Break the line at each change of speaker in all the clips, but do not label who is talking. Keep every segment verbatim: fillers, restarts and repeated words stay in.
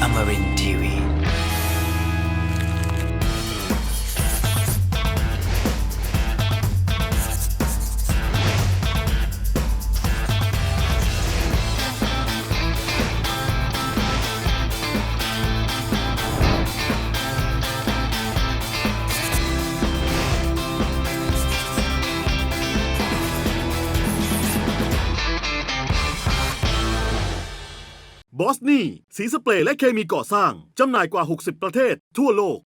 Amarin ที วี
บอสนี่สีสเปรย์และเคมีก่อสร้างจำหน่ายกว่าหกสิบประเทศทั่วโลก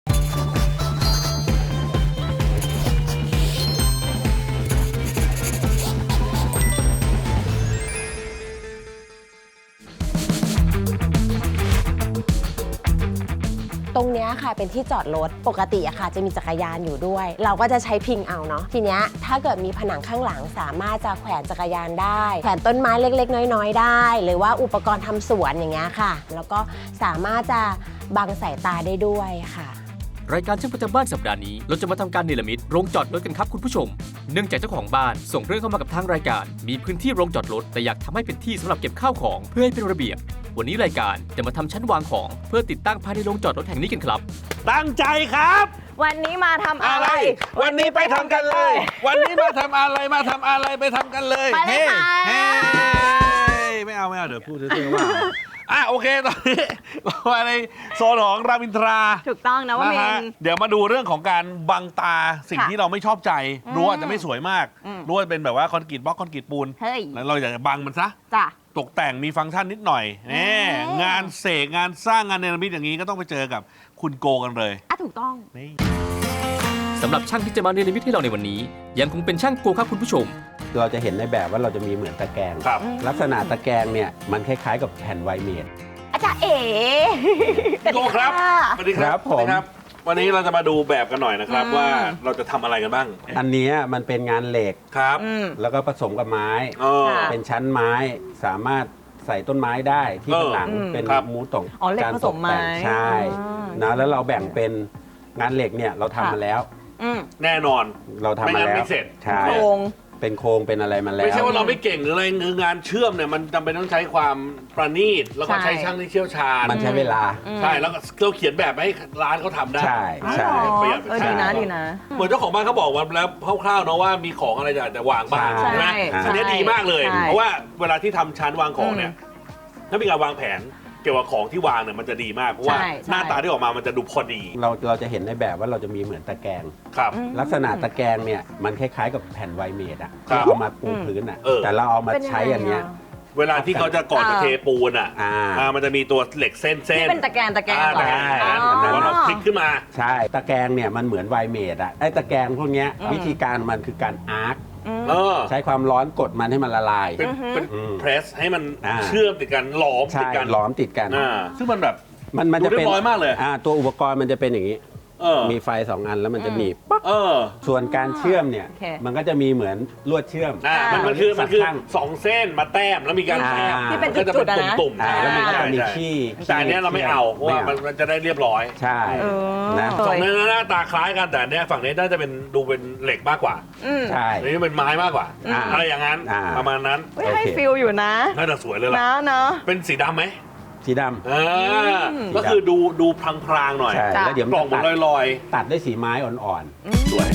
ตรงเนี้ยค่ะเป็นที่จอดรถปกติอะค่ะจะมีจักรยานอยู่ด้วย เราก็จะใช้พิงเอาเนาะทีเนี้ยถ้าเกิดมีผนังข้างหลังสามารถจะแขวนจักรยานได้แขวนต้นไม้เล็กๆน้อยๆได้ หรือว่าอุปกรณ์ทำสวนอย่างเงี้ยค่ะแล้วก็สามารถจะบังสายตาได้ด้วยค่ะ
รายการช่างประจำบ้านสัปดาห์นี้เราจะมาทำการเนรมิตโรงจอดรถกันครับคุณผู้ชมเนื่องจากเจ้าของบ้านส่งเรื่องเข้ามากับทางรายการมีพื้นที่โรงจอดรถแต่อยากทำให้เป็นที่สำหรับเก็บข้าวของเพื่อให้เป็นระเบียบวันนี้รายการจะมาทำชั้นวางของเพื่อติดตั้งภายในโรงจอดรถแห่งนี้กันครับ
ตั้งใจครับ
วันนี้มาทำอะไร
วันนี้ไปทำกันเลย วันนี้มาทำอะไรมาทำอะไรไปทำกันเลย
ไปเลยค่ะ
เฮ้ไม่เอาไม่เอาเดี๋ยวพูดเรื่องว่าอ่ะโอเคตอนนี้เรามาในโซนของรามอินทรา
ถูกต้องนะว่า
นะ
เม
ฮะ
น
เดี๋ยวมาดูเรื่องของการบังตาสิ่ง
ค่ะ
ที่เราไม่ชอบใจรู้ว่าจะไม่สวยมาก
อืม
รู้ว่าเป็นแบบว่าคอนกรีตบล็อกคอนกรีตปูน
เฮ้ย
แล้วเราอยากจะบังมันซะ
จ้ะ
ตกแต่งมีฟังก์ชันนิดหน่อยนี่
อืม
งานเสกงานสร้างงานเนรมิตอย่างนี้ก็ต้องไปเจอกับคุณโกกันเลย
อ่ะถูกต้อง
นี่
สำหรับช่างที่จะมาเนรมิตให้เราในวันนี้ยังคงเป็นช่างโกครับคุณผู้ชม
เราจะเห็นในแบบว่าเราจะมีเหมือนตะแกรง
ครับ
ลักษณะตะแกรงเนี่ยมันคล้ายๆกับแผ่นไวเมด
อาจารย์เอ๋
โกครับสวัสดีครับ
ครับผม
สวัสดีครับ วันนี้เราจะมาดูแบบกันหน่อยนะครับ
อืม
ว่าเราจะทำอะไรกันบ้าง
อันเนี้ยมันเป็นงานเหล็ก
ครับ
อืม
แล้วก็ผสมกับไม้
อ๋อ
ค่ะ
เป็นชั้นไม้สามารถใส่ต้นไม้ได้ที่
เออ
ข้างหลัง
อืม
เป็น
ครับ
มูตก
อ๋อเหล็ก
การ
ผ
ต
ส
ก
มไม้
แต่งใช่
อ่า
นะแล้วเราแบ่งเป็นงานเหล็กเนี่ยเราทำ
ค่ะ
มาแล้ว
อืม
แน่นอน
เราทำ
ไม่
มา
งั้น
แล้ว
ไม่เสร็จ
ใช่
โครง
เป็นโครงเป็นอะไรมาแล้ว
ไม่ใช่ว่าเราไม่เก่งหรืออะไรคืองานเชื่อมเนี่ยมันจำเป็นต้องใช้ความประณีตแล้วก็
ใช่
ใช้ช่างที่เชี่ยวชาญ
มันใช้เวลา
อืม
ใช่แล้วก็เราเขียนแบบให้ร้านเขาทำได้
ใช่ใช่
อ๋อ
ประหยัด
เออ
ใช่
ดีนะดีนะ
เหมือนเจ้าของบ้านเขาบอกว่าแล้วคร่าวๆเนาะว่ามีของอะไรจะจะวางบ้าง
ใช่
ใช่ไหม
ใช่
อันนี้ดีมากเลย
ใช่
เพราะว่าเวลาที่ทำชั้นวางของเนี่ยถ้ามีการวางแผนเกี่ยวกับของที่วางเนี่ยมันจะดีมากเพราะว่า
ใช่ใช่
หน้าตาที่ออกมามันจะดูพอดี
เราเราจะเห็นในแบบว่าเราจะมีเหมือนตะแกรง
ครับ
ลักษณะตะแกรงเนี่ยมันคล้ายๆกับแผ่นไวเมดอะ
ครับ
ที่เอามาปูพื้นอะ
เออ
แต่เราเอามา
เป็นยังไง
ใช้อันเนี้ย
อะ
เวลาที่เขาจะก่อนจะเทปูนอ่ะ
อ่า
อ่ามันจะมีตัวเหล็กเส้นเส้
ที่
น
เป็นตะแกรงตะแกรง
อ่า
เหรอ
ได้
อ๋อ
แต่ว่าเราพลิกขึ้นมา
ใช่ตะแกรงเนี่ยมันเหมือนไวเมดอะไอ้ตะแกรงพวกเนี้ย
อืม
วิธีการมันคือการอาร์ค
อืม
เออ
ใช้ความร้อนกดมันให้มันละลาย
เป็นเป็น
อืม
เพรสให้มัน
อ่า
เชื่อมติดกันหลอมติ
ใช่
ดกัน
ล้อมติดกัน
อ่าซึ่งมันแบบ
มันมัน
ดู
จะเป็น
เรียบร้อยมากเลย
อ่าตัวอุปกรณ์มันจะเป็นอย่างนี้
เออ
มีไฟสองอันแล้วมันจะหนีบปั๊บ
เออ
ส่วนการเชื่อมเนี่ย
โอเค
มันก็จะมีเหมือนลวดเชื่อม
อ่ามัน
อ่า
มันคือมันคือ
ข้าง
สองเส้นมาแต้มแล้วมีการ
อ่า
แต้ม
ที่เป็น
ก็จะ
จุดๆอะนะ
ตุ่มๆ
อ่าแล้วมันก็จะมี
ใช่
ขี้
แต่อันเนี้ยเราไม่เอาเพราะว่า
ไม่
มันมันจะได้เรียบร้อย
ใช่
เออ
นะ
สองเนื้อหน้าตาคล้ายกันแต่อันเนี้ยฝั่งนี้น่าจะเป็นดูเป็นเหล็กมากกว่า
อืม
ใช่
อันนี้เป็นไม้มากกว่า
อ่า
อะไรอย่างนั้น
อ่า
ประมาณนั้น
เฮ้ย
โอเค
ให้ฟิลอยู่นะ
น่าจะสวยเลยล่ะ
นะเนาะ
เป็นสีดำไหม
สีดำ
อ่า
อืม
ก็คือดูดูพรางๆหน่อย
ใช่
จ้ะ
แล้วเดี๋ยวมัน
กล่อง
จะ
มัน
ตัด
ลอย
ตัดด้วยสีไม้อ่อน
ๆ สวย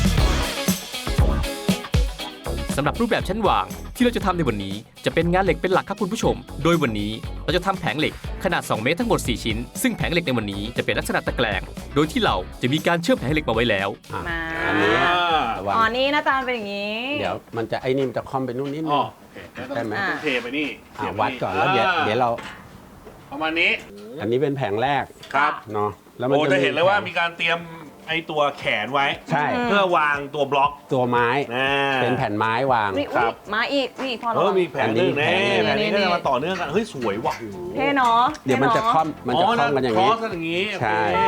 สำหรับรูปแบบชั้นวางที่เราจะทำในวันนี้จะเป็นงานเหล็กเป็นหลักครับคุณผู้ชม โดยวันนี้เราจะทำแผงเหล็กขนาดสองเมตรทั้งหมดสี่ชิ้นซึ่งแผงเหล็กในวันนี้จะเป็นลักษณะตะแกรงโดยที่เราจะมีการเชื่อมแผงเหล็กมาไว้แล้ว
ๆอ่ะ
มา
อันนี้ระวัง
อ๋อนี่หน้าตาเป็นอย่างนี้
เดี๋ยวมันจะไอ้นี่มันจะคอมไปนู่นนิดนึ
อ๋
ง
อโอเค
ได้ไหม
ต้องเทไปนี่
อ่ะ
เสียบไป
วัดก่อนแล้วเดี๋ยวเดี๋ยวเรา
ประมาณนี้
อันนี้เป็นแผงแรก
ครับ
เนาะแล้วมัน
โอ้จะเห็นเลยว่า
แผง
มีการเตรียมไอตัวแขนไว้
ใช่
เพื่อวางตัวบล็อก
ตัวไม้
นะ
เป็นแผ่นไม้วาง
นี่
ครั
อุ๊ย
บ
มาอีกนี่พอ
เอ
เรา
อมีแผนหนึงแน่
อั
แผ
น
น
นี้
นี้ก็จะมาต่อเนื่องกันเฮ้ยสวยว่ะ
เท่เนาะ
เดี๋ยวมันจะ
ท่
ค่อมมันจะ
อ๋อ
ค่อมกันอย่าง
นี้
นี้
คอสอย่างนี้โอเค
ใช่
เฮ้ย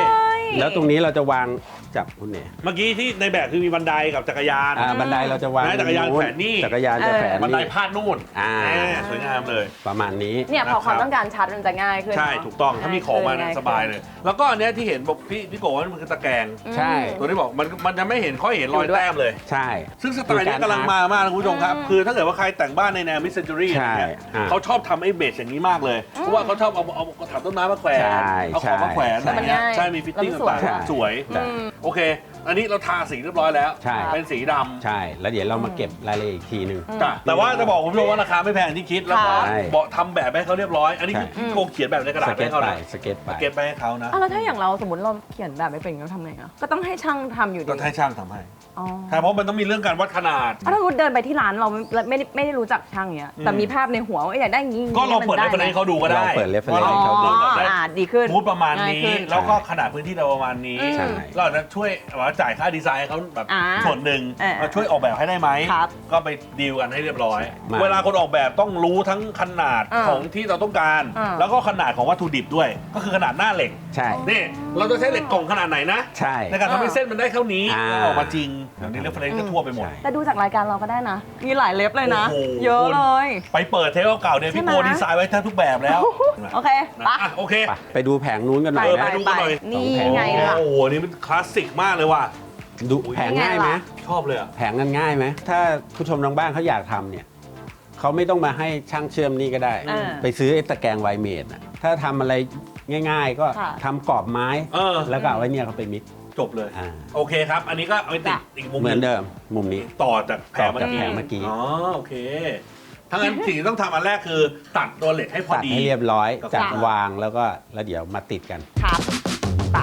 แล้วตรงนี้เราจะวางจับคุณเนี่ย
เมื่อกี้ที่ในแบบคือมีบันไดกับจักรยาน
อ่าบันไดเราจะวาง
นะจักรยานแขวนนี่
จักรยานจะแขวน
บันได
นี่
พาดนู่น
อ่า
แหมสวยงามเลย
ประมาณนี้
เนี่ยพอ
นะครับ
ความต้องการชัดมันจะง่ายขึ้น
ใช่
เนะ
ถูกต้องถ้ามีของมาเนี่ย
ง่ขึ้
สบายเลย แล้วก็อันเนี้ยที่เห็นบอกพี่พี่โกว่ามันคือตะแกรง
ใช่
ตัวที่บอกมันมันจะไม่เห็นค่อยเห็นรอยแต้มเลย
ใช่
ซึ่งสไตล์เนี้ยกำลังมามากนะคุณผู้ชมครับ คือถ้าเกิดว่าใครแต่งบ้านในแนวมิสเซนจูรี่
ใช่
เนี่ย
อ่า
เขาชอบทำไอ้เบสอย่างนี้มากเลย เพราะว่าเขาชอบเอาเอากระถางต้นไม้มาแขวน
ใช่
เอาของมาแขวน
ใช่
อะไรเงี้ยใช่มีฟิตติ้ง
แล้วมันสวย
ต่างๆสวย
ใช่
โอเค อันนี้เราทาสีเรียบร้อยแล้ว
ใช่
เป็นสีดำ
ใช่ แล้วเดี๋ยวเรามาเก็บรายละเอียดอีกทีหนึ่ง
จ้ะแต่ว่าจะบอกคุณผู้ชมว่าราคาไม่แพงอย่างที่คิด แล้วก็
ใช่
บอกทำแบบให้เขาเรียบร้อย อันนี้คือ
ใช่
โกเขียนแบบในกระดา
ส
ษ
เก็
ให้
ต
เขา
ไป
นะ
สเก็ตไป
เก็บไปให้เขานะ
อ่ะแล้วถ้าอย่างเราสมมติเราเขียนแบบไม่เป็นเราทำไงอ่ะก็ต้องให้ช่างทำอยู่ดี
ก็ให้ช่างทำให้
อ๋อ
ใช่เพราะมันต้องมีเรื่องการวัดขนาด
อ่ะถ้าสมมติเดินไปที่ร้านเราไม่ไม่ได้ไม่ได้รู้จักช่างเนี้ยแต่มีภาพในหัวว่าอยากได้อย่างนี้
ก็เราเปิด
มั
ให้
น
ให้เขาดูก็ได้
เราเปิด reference
ว่า
ให้เขาดู
อ๋อ
ได้
อ่าดีขึ้น
มูดประมาณ
ง่าย
นี้
ขึ้น
แล้วก็ขนาดพื้นที่เราประมาณนี้
ใช่
เราอาจจะช่วยว่าจ่ายค่าดีไซน์ให้เขาแบบ
อ่า
ส่วนหนึ่ง
เออ
มาช่วยออกแบบให้ได้ไหม
ครับ
ก็ไปดีลกันให้เรียบร้อย
มา
เวลาคนออกแบบต้องรู้ทั้งขนาด
อ่า
ของที่เราต้องการ
อ่า
แล้วก็ขนาดของวัตถุดิบด้วย ก็คือขนาดหน้าเหล็ก
ใช่
นี่เราจะใช้เหล็กกล่องขนาดไหนนะ
ใช่
ในการทำให้เส้นมันได้เท่านี้
อ่า
แล้วออกมาจริงอย่างนี้เรฟเฟรนซ์ก็ทั่วไปหมด
ใช่
แต่ดูจากรายการเราก็ได้นะ มีหลายเล็บเลยนะ
โอ้โห
เยอะเลย
ไปเปิดเทปเก่าๆเนี่ย
ใช่
พี่
ไหม
โกดีไซน์ไว้แทบทุกแบบแล้ว
โอเค
นะ
ปะ
อ่ะโอเค
ไปไปดูแผงนู้นกันหน่อย
เออ
นะ
ไปดูกันหน่อย
นี่ไงล่ะ
โอ้โหนี่มันคลาสสิกมากเลยว่ะ
ดูแผงง่ายไหม
นี่ไงล่ะ
ชอบเลยอ่ะ
แผงนั้นง่ายไหม ถ้าผู้ชมทางบ้านเขาอยากทำเนี่ยเขาไม่ต้องมาให้ช่างเชื่อมนี่ก็ได้
เออ
ไปซื้อไอ้ตะแกรงไวเมดน่ะถ้าทำอะไรง่ายๆ ก็
ค่ะ
ทำกรอบไม้
เออ
แล้วก็เอาไว้เนี่ยเขาไปมิก
จบเลย
อ่า
โอเคครับ อันนี้ก็เอาไปติด
จ้ะ
อีกมุม
เหมือน
หนึ่ง
เดิมมุมนี้
ต่อจากแผ
ต่อง
เมื่อ
จาก
กี้
แผงเมื่อกี้
อ๋อโอเคทั้างนั้นสิ่งที่ต้องทำอันแรกคือ ตัดตัวเหล็กให้พอ
ตัด
ดี
ให้เรียบร้อย
กับ
จัด
จ้ะ
วางแล้วก็แล้วเดี๋ยวมาติดกัน
ครับไป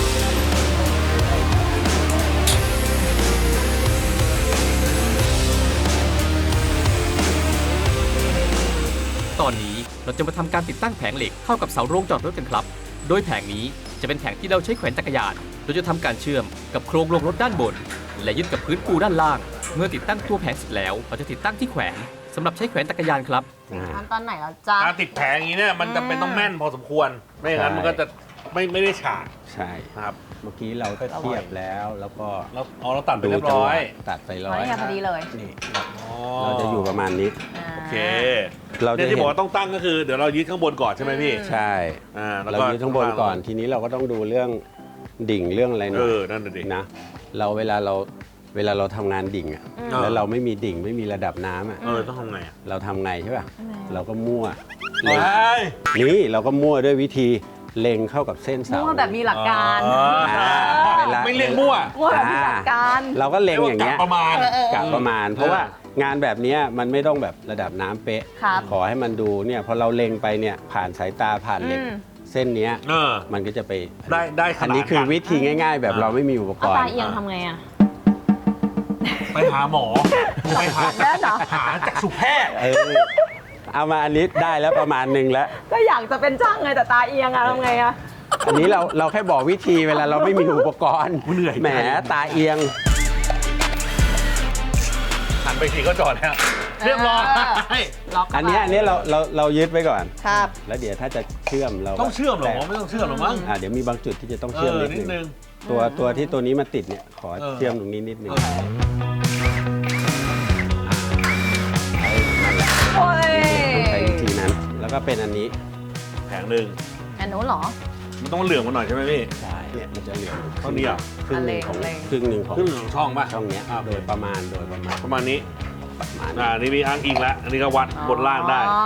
ตอนนี้เราจะมาทำการติดตั้งแผงเหล็กเข้ากับเสาโรงจอดรถกันครับ โดยแผงนี้จะเป็นแผงที่เราใช้แขวนจักรยาน โดยจะทำการเชื่อมกับโครงโรงรถด้านบน และยึดกับพื้นปูด้านล่าง เมื่อติดตั้งตัวแผงเสร็จแล้ว เราจะติดตั้งที่แขวนสำหรับใช้แขวนจักรยานครับ
ขั้นตอนไหนแล้วจ๊ะ
การติดแผงอย่างนี้เนี่ยมัน
อืม
จำเป็นต้องแม่นพอสมควร ไม่อย่างนั้น
ใช่
มันก็จะไม่ไม่ได้ฉาก
ใช่
นะครับ
เมื่อกี้เราก็เทียบแล้วแล้วก็
แล้วอ๋อเราตัดไปเรียบร้อย
ตัดไป
อ๋
ร้
อ
อย
นี่ไงพอดีเลย
นี่
อ๋อ
เราจะอยู่ประมาณนี้
โอเค
เรา
เนี่
จะ
ยที่
เห็
บอก
น
ว่าต้องตั้งก็คือเดี๋ยวเรายึดข้างบนก่อนใช่ไหมพี่
ใช่
อ่าแล้ว
เรา
ก็
ยึดข้างบนก่อนทีนี้เราก็ต้องดูเรื่องดิ่งเรื่องอะไรหน่
เอ
อย
อนั่นน่ะดิ
นะเราเวลาเราเวลาเราทำงานดิ่งอ่ะ
อืม
แล้วเราไม่มีดิ่งไม่มีระดับน้ำอ่ะ
เออต้องทำไงอ่ะ
เราทำไงใช่ป่ะเราก็มั่ว
เฮ้ย
นี่เราก็มั่วด้วยวิธีเล็งเข้ากับเส้นเสา
มั่วแบบมีหลักการ
อ๋อ
อ่าเวลา
ไม่เรียกมั่ว
มั่วแบบมีหลักการ
เราก็เล็งอย่างเงี้ย
รีกว่กะประมาณ
กะประมาณ เพราะว่างานแบบเนี้ยมันไม่ต้องแบบระดับน้ำเป๊ะ
ครับ
ขอให้มันดูเนี่ยพอเราเล็งไปเนี่ยผ่านสายตาผ่านเหล็ก
อืม
เส้นเนี้ย
เออ
มันก็จะไป
ได้ได้ขนาด
อันนี้คือวิธีง่าย ๆ แบบ
อ่า
เราไม่มีอุปก
เอา
ร
ตา
ณ์
เอียงทำไงอ่ะ
ไปหาหมอไปหา
แน่เหรอ
หาจักษุแพทย์
เออเอามาอันนี้ได้แล้วประมาณหนึ่งแล้ว
ก็อยากจะเป็นช่างไงแต่ตาเอียงอะทำไงอะ
อันนี้เราเราแค่บอกวิธีเวลาเราไม่มีอุปกรณ์
เหนื่อย
แหมตาเอียง
หันไปทีก็จอดแล้วเรียบร้อย
ล็อกเข้าไป
อันเนี้ยอันเนี้ยเราเราเรายึดไว้ก่อน
ครับ
แล้วเดี๋ยวถ้าจะเชื่อมเราก็
ต้องเชื่อมเหรอไม่ต้องเชื่อมหรอมั้ง
อ่าเดี๋ยวมีบางจุดที่จะต้อง
เอ
เชื่อม
อ
นิด
นิด
นึ
นึ
ง
ง
ตัวตัวที่ตัวนี้มาติดเนี่ยขอ
เออ
เชื่อมตรงนี้นิดนึง
เออ
นั่นแหละ
โอ้ย
ต้องใช้วิธีนั้น แล้วก็เป็นอันนี้
แผงหนึ่ง
อันนู้นเหรอ
มันต้องเหลืองมาหน่อยใช่ไหมพี่
ใช่เนี่ยมันจะเหลือง
เท่านี้เหรอ
ครึ่งหนึ่งของ
อันเล็ก
ครึ่งหนึ่งของ
ครึ่งหนึ่งของช่องป่ะ
ช่องเนี้ย
อ่า
โดยประมาณโดยประมาณ
ประมาณนี้
ประมาณ
อ่านี่มีอ้างอิงแล้วอันนี้ก็วัดบนล่างได้
อ๋อ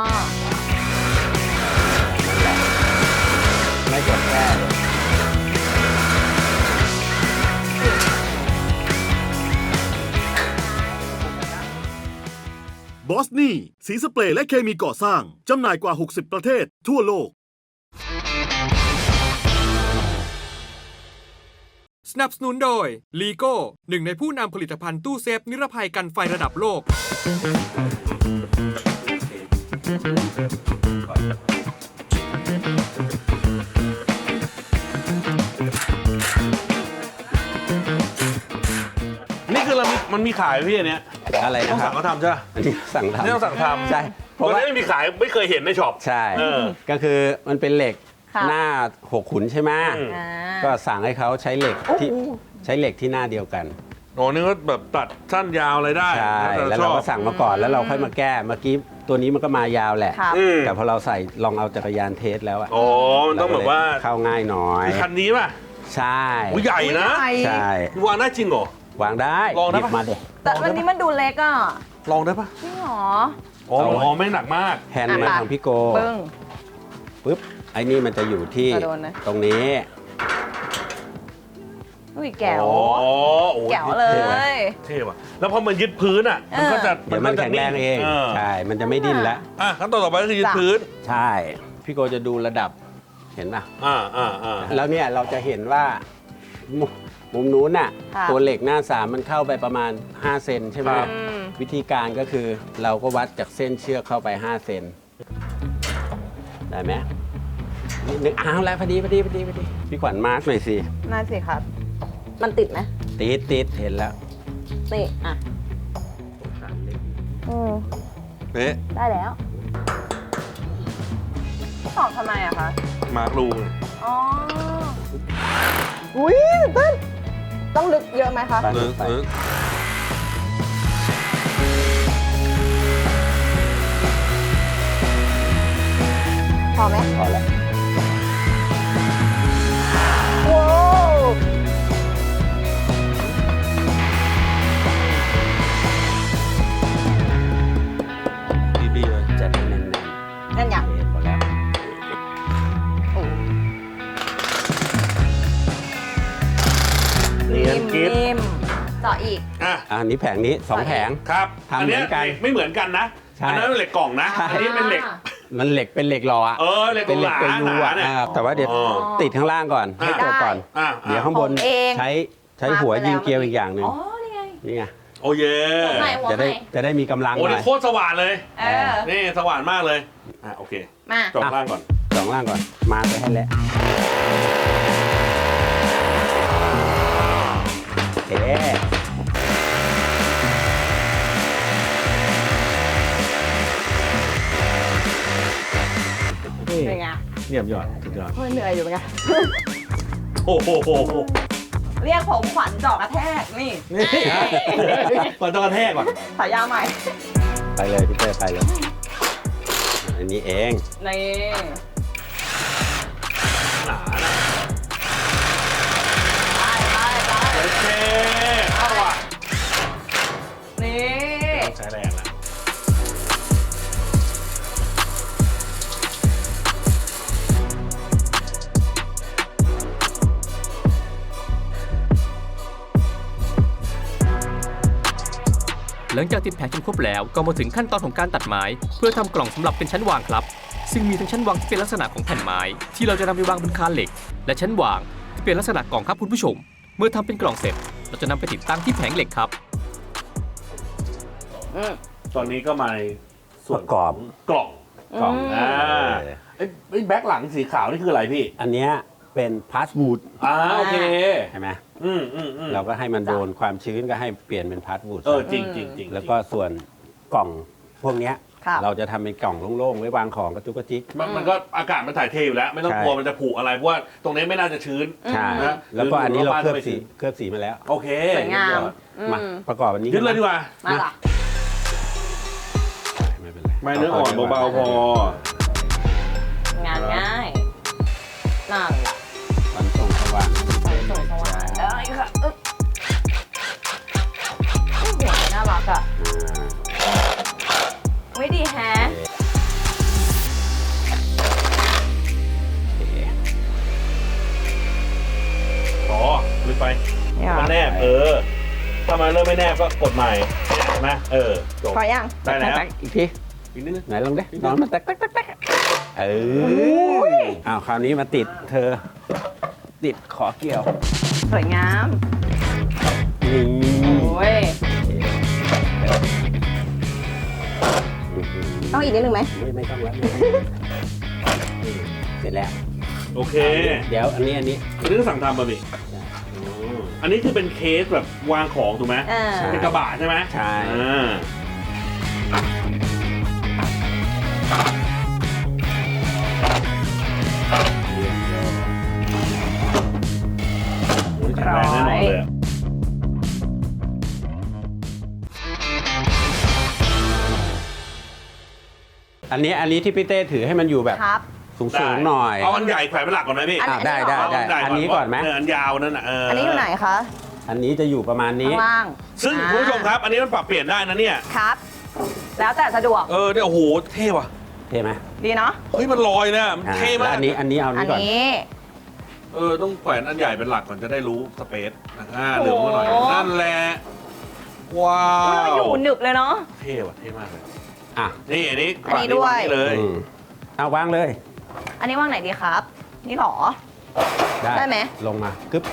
ไม่กดแค่
บอสนี่สีสเปรย์และเคมีก่อสร้าง จำหน่ายกว่า หกสิบ ประเทศทั่วโลก
สนับสนุนโดย ลีโก้ หนึ่งในผู้นำผลิตภัณฑ์ตู้เซฟนิรภัยกันไฟระดับโลก
นี่คือเรามีมันมีขายไหมพี่อันเนี้ย
อะไร
ต้อง
นะครั
สั่
บ
งเขาทำใช่ไหม
อันนี้สั่งทำ
นี่ต้องสั่งทำ
ใช่เพ
เพราะ
ราะว่า
ว่าไม่มีขายไม่เคยเห็นในช็อป
ใช่
เออ
ก็คือมันเป็นเหล็ก
ค่ะ
หน้าหกขุนใช่ไหม
อืม
อ่า
ก็สั่งให้เขาใช้เหล็กที่ใช้เหล็กที่หน้าเดียวกัน
โอ้นี่ก็แบบตัดสั้นยาวอะไรได้
ใช่
ต่
แล้ว
ช
เรา
อบ
ก็สั่งมาก่อนแล้วเราค่อยมาแก้เมื่อกี้ตัวนี้มันก็มายาวแหละ
ครับ
อืม
แต่พอเราใส่ลองเอาจักรยานเทสแล้วอะ
อ๋อมันต้องแบบว่า
เข้าง่ายหน่อย
คือคันนี้ป่ะ
ใช่
อุ้ยใหญ่นะ
ใหญ่
ใช่
วางได้จริงเหรอ
วางได้
ลองได้
หยิ
ปะ
บมาเด็
แต่วันนี้มันดูเล็กอ่ะ
ลองได้ปะ
จริงเหรอ
อ๋ออ๋อไม่หนักมาก
แฮนด์มา
อ่ะ
ทางพี่โก
ปึ้ง
ปุ๊บไอ้นี่มันจะอยู่ที่
กระโดดนะ
ตรงนี้
อุ้ยแก้ว
อ๋อโอ้ย
แก้วเลย
เท่ว่ะแล้วพอมันยึดพื้นอ่ะ มันก็จะ
เดี๋ยวมันแข็งแรงเอง
เออ
ใช่ มันจะไม่ดิ้นแล้ว
อ่ะขั้นตอนต่อไปก็คือยึดพื้น
ใช่ พี่โกจะดูระดับเห็นป่ะ
อ่าอ่าอ่า
แล้วเนี่ยเราจะเห็นว่ามุมมุมนู้นน่ะ
ค่ะ
ตัวเหล็กหน้าสามมันเข้าไปประมาณห้าเซนใช่ไหม
ครับ
อืม
วิธีการก็คือเราก็วัดจากเส้นเชือกเข้าไปห้าเซนได้ไหมนิดนึงอ้าวแล้วพอดีพอดีพอดีพอดีพี่ขวัญมาร์กหน่อยสิ
น่าสิครับ มันติดไหม
ติดติดเห็นแล้ว
นี่อ่ะอืม
เอ๊ะ
ได้แล้วตอบทำไมอะคะ
มาร์ครูไง
อ๋อ อุ้ยตื่นเต้นต้องลึกเยอะไหมคะ
ไป
เออ
ไป
เออ
พอไหม
พอแล้ว
ว้าว
บีบีเลย
จัดให้แน่น
นั่นอย่าง
ๆโอเคพอแล้ว
โอ้
เนียนกิ๊บ
นิ่มๆเจาะอีก
อ่ะ
อ่ะอันนี้แผงนี้สองแผง
ครับ
ทำเหมือนกัน
ยไม่เหมือนกันนะ
ใช่
อันนั้นเป็นเหล็กกล่องนะ
ใช่
อันนี้เป็นเหล็ก
มันเหล็กเป็นเหล็กหล่ออะ
เออเหล็ก
เป็นเหล็ก
ห
เป็น
นา
รู
หนา
อะ
เนี่ย
อ่าแต่ว่าเดี๋ยว
อ๋อ
ติดข้างล่างก่อนให้จบก่อน
อ่ะ
เดี๋ยวข้างบน
ผมเอง
ใช้ใช้หัวยิงเกลียวอีกอย่างหนึ่ง
อ๋อ นี่ไง
นี่ไง
โอ้เย่
หัวใหม่หัว
จะ
ให
ได้
ม่
จะได้มีกำลัง
โอ้
หน่
นี่
อย
โคตรสว่านเลย
เออ
นี่สว่านมากเลย อ่ะโอเค
มา
จบล่างก่อน
สองล่างก่อน มาไปให้แล้วโอเค
เป็นไง
เยี่ยมยอดสุดยอด
เฮ้ยเหนื่อยอยู่เป็นไง
โอ้โห
เรียกผมขวัญเจาะกระแทก นี่
ก่อนต้องกระแทกก่อน
ฉายาใหม่
ไปเลยพี่เต้ยไปเลย อันนี้เอง
นี่
หนานะ
ไปไปไป
โอเคเอาว่ะ
นี่
ต้องใช้แรงแล้ว
หลังจากติดแผงจนครบแล้วก็มาถึงขั้นตอนของการตัดไม้ เพื่อทำกล่องสำหรับเป็นชั้นวางครับ ซึ่งมีทั้งชั้นวางที่เป็นลักษณะของแผ่นไม้ ที่เราจะนำไปวางบนคานเหล็ก และชั้นวางที่เป็นลักษณะกล่องครับคุณผู้ชม เมื่อทำเป็นกล่องเสร็จ เราจะนำไปติดตั้งที่แผงเหล็กครับ
อืม
ตอนนี้ก็มาในส่วน
ประกอบ
กล่อง
กล่อง
อ่าไอ้ไอ้แบ็คหลังสีขาวนี่คืออะไรพี่
อันเนี้ยเป็นพาสบูด
อ่าโอเค
ใช่ไหม
อืมอืมอืม
เราก็ให้มันโดนความชื้นก็ให้เปลี่ยนเป็นพาสบูด
เออจริงจริงจริง
แล้วก็ส่วนกล่องพวกเนี้ย
ครับ
เราจะทำเป็นกล่องโล่งๆไว้วางของกระจุกกระจิก
มันมันก็อากาศมันถ่ายเทอยู่แล้ว ไม่ต้อง
ใช่
กลัวมันจะผุอะไรเพราะว่าตรงนี้ไม่น่าจะชื้น
ใช่
นะ
แล้วก็อันนี้เรา
หรือ
เคลือบ
ว่าบ้าน
สี
ไม่ถึง
เคลือบสีมาแล้ว
โอเค
สวยงาม อืม
มาประกอบอันนี้
ยึดเลยดีกว่า
มาล่ะ
ไม่เป็นไร
ไม่เนื้ออ่อนเบาๆพอ
งานง่ายนั่นล่ะ
ฝันส่งสว่าง
ไปส่งสว่างเอ้ยค่ะอึ๊บโอ้โหน่ารักอ่ะไม่ดีแฮะ
โอเค
อ๋อลึกไปมันแนบเออ ถ้ามันเริ่มไม่แนบก็กดใหม่เห็นไหมเออจบ
พอยัง
ได้แล้ว
ตักๆอีกที
อีกนิดนึง
ไหนลองดินอนมาตักตักตักตักเอออ้าวคราวนี้มาติดเธอ ติดขอเกี่ยว
สวยงาม
นี่
โอ้ยต้องอีกนิดนึงไหม
ไม่ไม่ต้องแล้วเสร็จแล้ว
โอเค
เดี๋ยวอันนี้อันนี้
อันนี้ก็สั่งทำบะหมี่อันนี้คือเป็นเคสแบบวางของถูกไหม
อ่า
เป็นกระบะใช่ไหม
ใช่
อ่า
อันนี้อันนี้ที่พี่เต้ถือให้มันอยู่แบบ
ครับ
สูงสูงหน่อย
เอาอันใหญ่แขวนเป็นหลักก่อนนะพี่
อัน
อ่ะได้ได้
เอา
ได้
ใหญ่
อันนี้ก่อนไหม
เอันยาวนั่นน่ะเออ
อั
อั
นนี้อยู่ไหนคะ
อันนี้จะอยู่ประมาณนี้
ข้างล่าง
ซึ่งคุณผู้ชมครับ อันนี้มันปรับเปลี่ยนได้นะเนี่ย
ครับ แล้วแต่สะดวก
เออเนี่ยโอ้โหเท่ว่ะ
เท่ไหม
ดีเนาะ
เฮ้ยมันลอยนะมัน
อ่า
เท่
แล้ว
มาก
อันนี้อันนี้เอา
อั
นี้
น
ก่อน
นี้
เออต้องแขวนอันใหญ่เป็นหลักก่อนจะได้รู้สเปซอ่าเหลืองมาหน่อย
โอ้โห
นั่นแหละว้า
อุ๊ยมัน
ว
อยู่หนึบเลยเนาะ
เท่ว่ะเท่มากเลย
อ่ะ
นี่อันนี้
อันนี้ด้วย
างนี่เลย
อืมเอาวางเลย
อันนี้ว่างไหนดีครับ นี่หรอ
ได้
ได้ไหม
ลงมากึ๊บ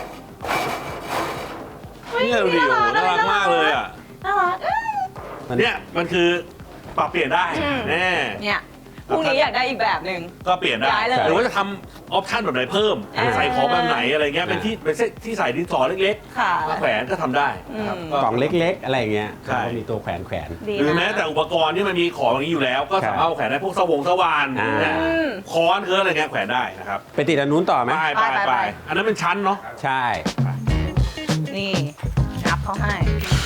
เนี่ยดูดิโอ้โหน่ารักมากเลยอ่ะ
น่ารัก
มัน
เนี่ยมันคือปรับเปลี่ยนได้
อืม
แน่
เนี่ยพรุ่งนี้อยากได้อีกแบบหนึ่ง
ก็เปลี่ยนได้
ย้ายเลย
หรือว่าจะทำออปชั่นแบบไหนเพิ่ม
อ่า
ใส่ของแบบไหนอะไรเงี้ยเป็นที่เป็นที่ใส่ดินสอเล็ก
ค่ะ
ๆมาแขวนก็ทำได้นะครับ
อืม
ก็
กล่องเล็กๆ อะไรอย่างเงี้ย
ใช่
เขามีตัวแขวนแขวน
ดี
หรือ
นะ
แม้แต่อุปกรณ์ที่มันมีของอย่างนี้อยู่แล้ว ก็สามารถเอาแขวนได้พวกสวงสว่าน
อ่า
เนี่ย
อืม
ค้อนเคืออะไรเงี้ยแขวนได้นะครับ
ไปติดอันนู้นต่อไหม
ไปไป
ไป
ไป
ไป
อันนั้นเป็นชั้นเนาะ
ใช่
นี่นับเขาให้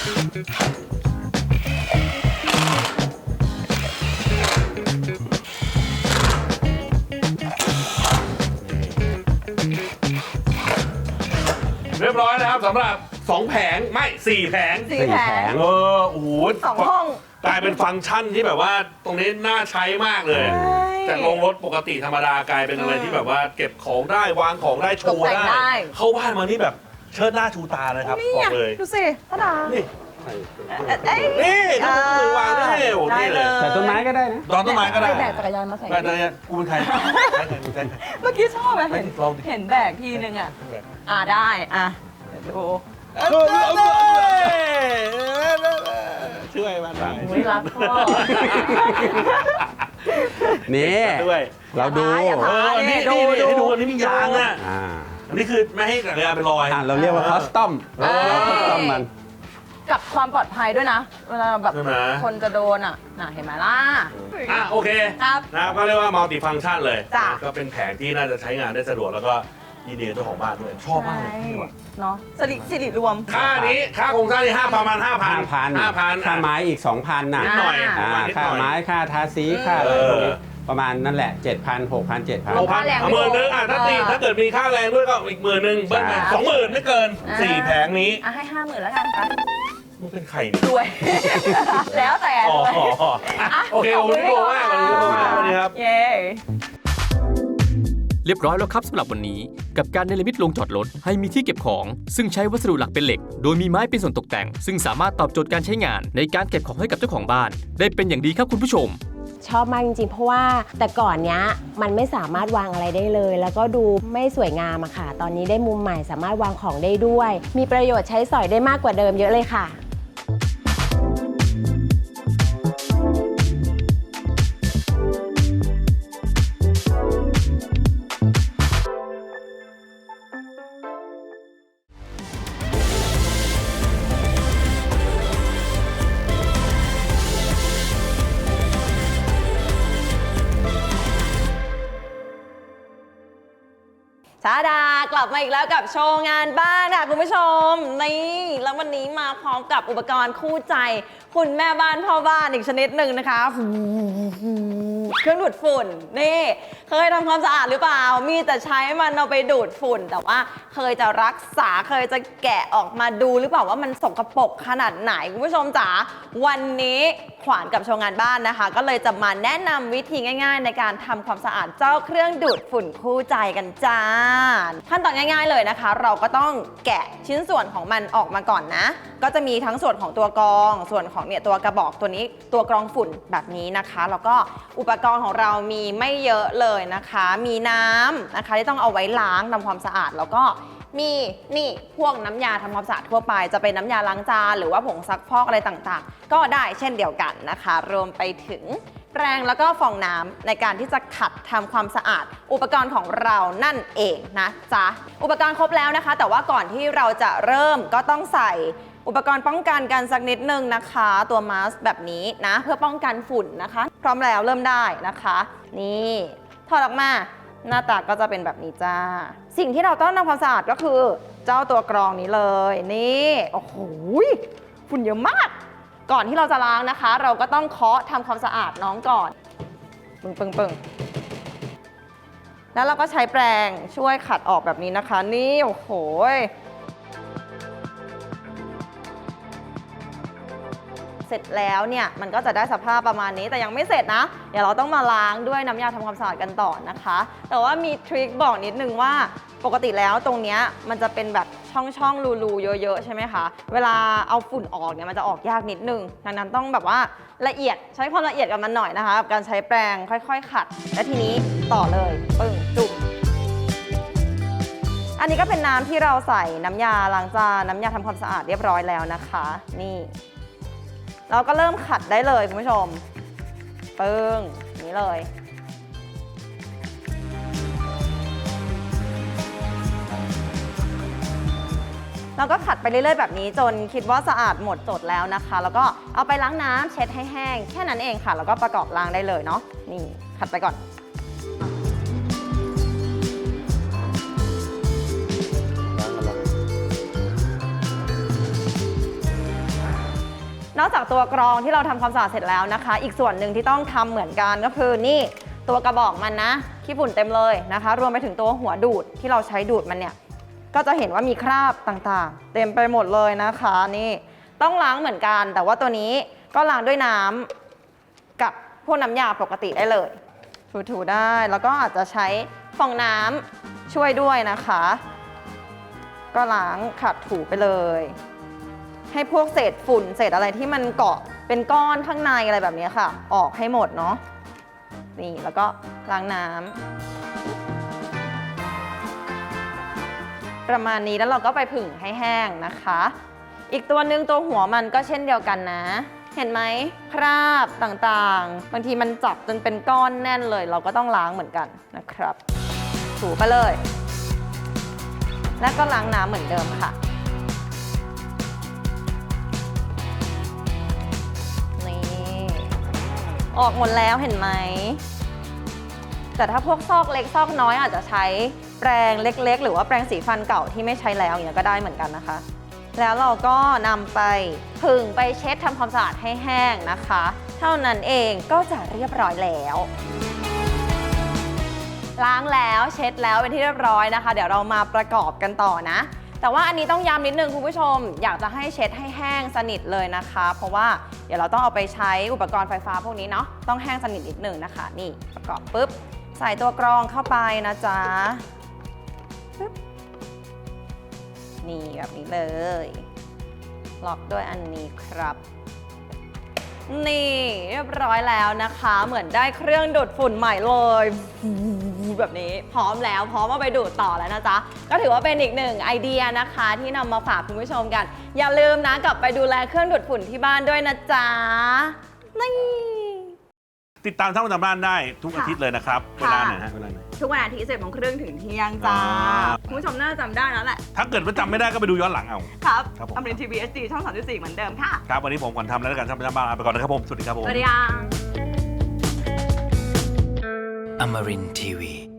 เรียบร้อยนะครับสำหรับสองแผงไม่สี่แผง
สี่
สี่
แผ
แผ
ง
ง
เออโอ้โห
สองห้อง
กลายเป็นฟังก์ชันที่แบบว่าตรงนี้น่าใช้มากเลย
ใช่
จากโรงรถปกติธรรมดากลายเป็นอะไรที่แบบว่าเก็บของได้วางของได้โชว์
ตกแต่งได้
ได้ เข้าบ้านมานี่แบบเชิดหน้าชูตาเลยครับ
นี่
บอ
ไง
กเลย
ดูสิตาดา
นี่
เอ้ย
นี่ดูมือวางได้โอ้โห
ได้
นี่
เล
เลย ย
ใส่ต้นไม้ก็ได้นะ
ตอนต้นไม้ก็ได้
ไปแบกจักรยานมาใส่
แบกจักรยานกูเป็นใครใครใครใคร
เมื่อกี้ชอบไหม
ไม่
เห็น
ลองดิ
เห็นแบกทีนึงอ่ะ อ่าได้ อ่ะเดี๋ยวดู
ช่วยมันหน่อย
อุ๊ยรักพ่อ
นี่
ด้วย
เราดู
อย่าพา
เออนี่
ดู
นี่นี่
ดู
ให้ดูอันนี้มียางอ่ะ
อ่า
อันนี้คือไม่ให้จักรยานเป็นรอย
อ่าเราเรียกว่าคอสตอม
เออ
เราคอสตอมมัน
กับความปลอดภัยด้วยนะ เวลาแบบ
ใช่ไหม
คนจะโดนอ่ะ น่ะเห็นไหมล่ะ
อ่ะโอเค
ครับ
นะครับก็เรียกว่ามัลติฟัง c t ชันเลย
จ้ะ
ก็เป็นแผงที่น่าจะใช้งานได้สะดวกแล้วก็ยินดีกับเจ้าของบ้านด้วย ชอบมากเลยที่ว่ะ
เนาะสิริสิริรวม
ค่านี้ค่าโครงสร้างนี่ห้าประมาณห้าพัน
ห้าพัน
ห้าพัน
ค่าไม้อีกสองพันน่ะ
นิดหน่อย
อ่า
ประมาณนิด
ค่า
หน่อย
ไม้ค่าทาสีค่าอะไรพวกนี้ประมาณนั่นแหละเจ็ดพันหกพันเจ็ดพัน
หกพัน
ค่าแรง
หมื่นนึงอ่ะถ้าตี
เออ
ถ้าเกิดมีค่าแรงด้วยก็อีกหมื่นนึงเบิ้ลไป
ใช่
สองหมื่นไม่เกิน
อ่า
สี่แผงนี้
อ่ะให้ห้าหมื่นแล้วกันครับ
มันเป็นไข่เนี่ย
ด้วย แล้วแต่
อ๋อ
เลย
อ๋ออ๋ออ่ะโอเคขอบคุณพี่โกมากขอบคุณพี่โกมากวันนี้ครับ
เย้
เรียบร้อยแล้วครับสำหรับวันนี้กับการเนรมิตโรงจอดรถให้มีที่เก็บของ ซึ่งใช้วัสดุหลักเป็นเหล็ก โดยมีไม้เป็นส่วนตกแต่ง ซึ่งสามารถตอบโจทย์การใช้งานในการเก็บของให้กับเจ้าของบ้าน ได้เป็นอย่างดีครับคุณผู้ชม
ชอบมากจริงๆ เพราะว่าแต่ก่อนเนี้ยมันไม่สามารถวางอะไรได้เลย แล้วก็ดูไม่สวยงามอะค่ะ ตอนนี้ได้มุมใหม่สามารถวางของได้ด้วย มีประโยชน์ใช้สอยได้มากกว่าเดิมเยอะเลยค่ะ
ชาดากลับมาอีกแล้วกับโชว์งานบ้านค่ะคุณผู้ชมนี่แล้ววันนี้มาพร้อมกับอุปกรณ์คู่ใจ คุณแม่บ้านพ่อบ้านอีกชนิดหนึ่งนะคะเครื่องดูดฝุ่นนี่เคยทำความสะอาดหรือเปล่า มีแต่ใช้มันเอาไปดูดฝุ่น แต่ว่าเคยจะรักษาเคยจะแกะออกมาดูหรือเปล่าว่ามันสกปรกขนาดไหนคุณผู้ชมจ๋าวันนี้ขวานกับโชว์งานบ้านนะคะ ก็เลยจะมาแนะนำวิธีง่าย ๆ ในการทำความสะอาดเจ้าเครื่องดูดฝุ่นคู่ใจกันจ้าขั้นตอนง่าย ๆเลยนะคะ เราก็ต้องแกะชิ้นส่วนของมันออกมาก่อนนะ ก็จะมีทั้งส่วนของตัวกรองส่วนของเนี่ยตัวกระบอกตัวนี้ตัวกรองฝุ่นแบบนี้นะคะแล้วก็อุปกรณ์ของเรามีไม่เยอะเลยนะคะ มีน้ำนะคะที่ต้องเอาไว้ล้างทำความสะอาดแล้วก็มีนี่พวกน้ำยาทำความสะอาดทั่วไปจะเป็นน้ำยาล้างจานหรือว่าผงซักฟอกอะไรต่างๆ ก็ได้เช่นเดียวกันนะคะ รวมไปถึงแปรงแล้วก็ฟองน้ำในการที่จะขัดทำความสะอาด อุปกรณ์ของเรานั่นเองนะจ๊ะอุปกรณ์ครบแล้วนะคะ แต่ว่าก่อนที่เราจะเริ่มก็ต้องใส่อุปกรณ์ป้องกันกันสักนิดนึงนะคะตัวมาสก์แบบนี้นะเพื่อป้องกันฝุ่นนะคะ พร้อมแล้วเริ่มได้นะคะนี่ถอดออกมาหน้าตาก็จะเป็นแบบนี้จ้าสิ่งที่เราต้องทำความสะอาดก็คือเจ้าตัวกรองนี้เลยนี่โอ้โหฝุ่นเยอะมากก่อนที่เราจะล้างนะคะ เราก็ต้องเคาะทำความสะอาดน้องก่อนปึ้งปึ้งปึ้งแล้วเราก็ใช้แปรงช่วยขัดออกแบบนี้นะคะ นี่โอ้โหเสร็จแล้วเนี่ยมันก็จะได้สภาพประมาณนี้แต่ยังไม่เสร็จนะ เดี๋ยวเราต้องมาล้างด้วยน้ำยาทำความสะอาดกันต่อนะคะ แต่ว่ามีทริคบอกนิดนึงว่าปกติแล้วตรงเนี้ยมันจะเป็นแบบช่องช่องรูๆเยอะๆใช่ไหมคะเวลาเอาฝุ่นออกเนี่ยมันจะออกยากนิดนึงดังนั้นต้องแบบว่าละเอียดใช้ความละเอียดกับมันหน่อยนะคะกับการใช้แปรงค่อยๆขัดและทีนี้ต่อเลยปึ้งจุ่มอันนี้ก็เป็นน้ำที่เราใส่น้ำยาล้างจานน้ำยาทำความสะอาดเรียบร้อยแล้วนะคะนี่เราก็เริ่มขัดได้เลยคุณผู้ชมปึ้งนี้เลยเราก็ขัดไปเรื่อยๆแบบนี้จนคิดว่าสะอาดหมดจดแล้วนะคะ แล้วก็เอาไปล้างน้ำเช็ดให้แห้งแค่นั้นเองค่ะแล้วก็ประกอบล้างได้เลยเนาะนี่ขัดไปก่อนนอกจากตัวกรองที่เราทำความสะอาดเสร็จแล้วนะคะอีกส่วนหนึ่งที่ต้องทำเหมือนกันก็คือนี่ตัวกระบอกมันนะขี้ฝุ่นเต็มเลยนะคะรวมไปถึงตัวหัวดูดที่เราใช้ดูดมันเนี่ยก็จะเห็นว่ามีคราบต่างๆเต็มไปหมดเลยนะคะนี่ต้องล้างเหมือนกันแต่ว่าตัวนี้ก็ล้างด้วยน้ำกับพวกน้ำยาปกติได้เลยถูๆได้แล้วก็อาจจะใช้ฟองน้ำช่วยด้วยนะคะก็ล้างขัดถูไปเลยให้พวกเศษฝุ่นเศษอะไรที่มันเกาะเป็นก้อนข้างในอะไรแบบนี้ค่ะออกให้หมดเนาะนี่แล้วก็ล้างน้ำประมาณนี้แล้วเราก็ไปผึ่งให้แห้งนะคะอีกตัวหนึ่งตัวหัวมันก็เช่นเดียวกันนะเห็นไหมคราบต่างๆบางทีมันจับจนเป็นก้อนแน่นเลยเราก็ต้องล้างเหมือนกันนะครับถูไปเลยแล้วก็ล้างน้ำเหมือนเดิมค่ะออกหมดแล้วเห็นไหมแต่ถ้าพวกซอกเล็กซอกน้อยอาจจะใช้แปรงเล็กๆหรือว่าแปรงสีฟันเก่าที่ไม่ใช้แล้วอย่างนี้ก็ได้เหมือนกันนะคะแล้วเราก็นำไปผึ่งไปเช็ดทำความสะอาดให้แห้งนะคะเท่านั้นเองก็จะเรียบร้อยแล้วล้างแล้วเช็ดแล้วเป็นที่เรียบร้อยนะคะเดี๋ยวเรามาประกอบกันต่อนะแต่ว่าอันนี้ต้องย้ำนิดนึงคุณผู้ชมอยากจะให้เช็ดให้แห้งสนิทเลยนะคะเพราะว่าเดี๋ยวเราต้องเอาไปใช้อุปกรณ์ไฟฟ้าพวกนี้เนาะต้องแห้งสนิทนิดนึงนะคะนี่ประกอบปุ๊บใส่ตัวกรองเข้าไปนะจ๊ะปุ๊บนี่แบบนี้เลยล็อกด้วยอันนี้ครับนี่เรียบร้อยแล้วนะคะเหมือนได้เครื่องดูดฝุ่นใหม่เลยแบบนี้พร้อมแล้วพร้อมเอาไปดูดต่อแล้วนะจ๊ะก็ถือว่าเป็นอีกหนึ่งไอเดียนะคะที่นำมาฝากคุณผู้ชมกันอย่าลืมนะกลับไปดูแลเครื่องดูดฝุ่นที่บ้านด้วยนะจ๊ะนี่
ติดตามท่านประจำบ้านได้ทุกอาทิตย์เลยนะครับเวลาไหนฮะเวลาไหน
ทุกวันอาทิตย์สิบโมงครึ่งถึงเที่ยงจ้าคุณผู้ชมน่าจะจำได้แล้วแหละ
ถ้าเกิดว่าจำไม่ได้ก็ไปดูย้อนหลังเอา
ครับ
ครับผม
อมรินทร์ทีวี เอส ดี ช่องสามสิบสี่เหมือนเดิมค่ะ
ครับวันนี้ผมก่อนทำแล้วกันท่านประจำบ้านลาไปก่อนนะครับผมสวัสดีครับผม
สวัสดีค่ะ
Amarin Tiwi